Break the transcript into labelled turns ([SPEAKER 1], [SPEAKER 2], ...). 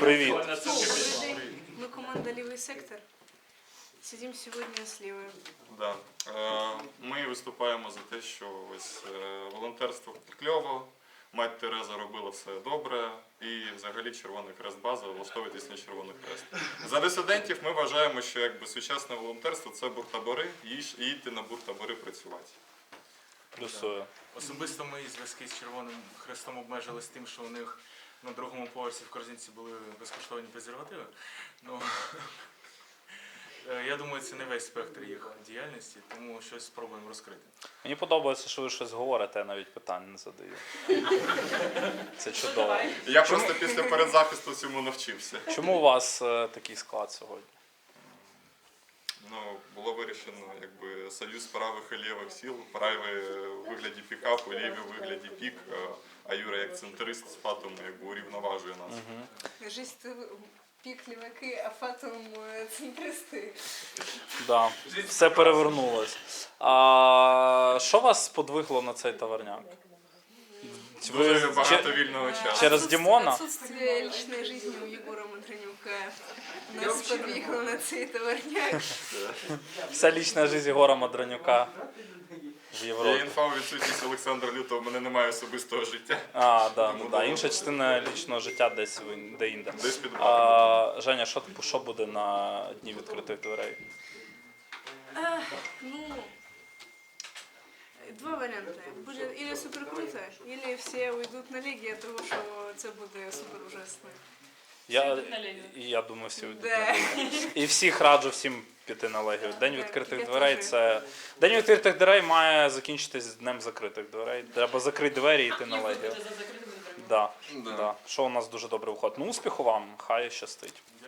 [SPEAKER 1] Привіт.
[SPEAKER 2] Добрый день. Мы команда «Левый сектор». Сидим сегодня с Левой.
[SPEAKER 3] Да. Ми виступаємо за те, що ось волонтерство кльово, мать Тереза робила все добре і взагалі Червоний Хрест база, влаштовуйтесь на Червоний Хрест. За дисидентів ми вважаємо, що якби сучасне волонтерство це буртабори і йти на буртабори працювати.
[SPEAKER 1] Плюсую.
[SPEAKER 4] Особисто мої зв'язки з Червоним Хрестом обмежились тим, що у них на другому поверсі в корзинці були безкоштовні презервативи. Ну, я думаю, це не весь спектр їх діяльності, тому щось спробуємо розкрити.
[SPEAKER 1] Мені подобається, що ви щось говорите, я навіть питань не задаю. Це чудово.
[SPEAKER 3] Я просто після передзахисту цьому навчився.
[SPEAKER 1] Чому у вас такий склад сьогодні?
[SPEAKER 3] Ну, було вирішено, якби союз правих і лівих сил, праві у вигляді пікапу, ліві у вигляді пік, а Юра як центрист з Фатом якби урівноважує нас.
[SPEAKER 2] Жизнь пик леваки, а фатум центристи.
[SPEAKER 1] Да, все перевернулось. А що вас сподвигло на цей таверняк?
[SPEAKER 3] Дуже багато вільного часу.
[SPEAKER 1] Через Димона?
[SPEAKER 2] Отсутствие личной жизни у Егора Мадранюка нас подвигло на цей товарняк.
[SPEAKER 1] Вся лічна життя Єгора Мадранюка в
[SPEAKER 3] Є
[SPEAKER 1] Європі.
[SPEAKER 3] інфа у відсутність Олександра Лютого, в мене немає особистого життя.
[SPEAKER 1] Да. Інша частина лічного життя десь де-інде.
[SPEAKER 3] Десь під баком.
[SPEAKER 1] Женя, що буде на дні відкритих дверей?
[SPEAKER 2] Ну, два варіанти. Буде или супер круто, или всі уйдуть на ліги від того, що це буде супер ужасно.
[SPEAKER 1] Я думаю, всі йдуть
[SPEAKER 2] Да.
[SPEAKER 1] на Легію. І всіх раджу всім піти на Легію. День
[SPEAKER 2] Так,
[SPEAKER 1] відкритих
[SPEAKER 2] я
[SPEAKER 1] дверей
[SPEAKER 2] теж.
[SPEAKER 1] це... День відкритих дверей має закінчитись з днем закритих дверей. Треба закрити двері і йти на Легію. Да. Що у нас дуже добре виходить. Ну, успіху вам, хай щастить.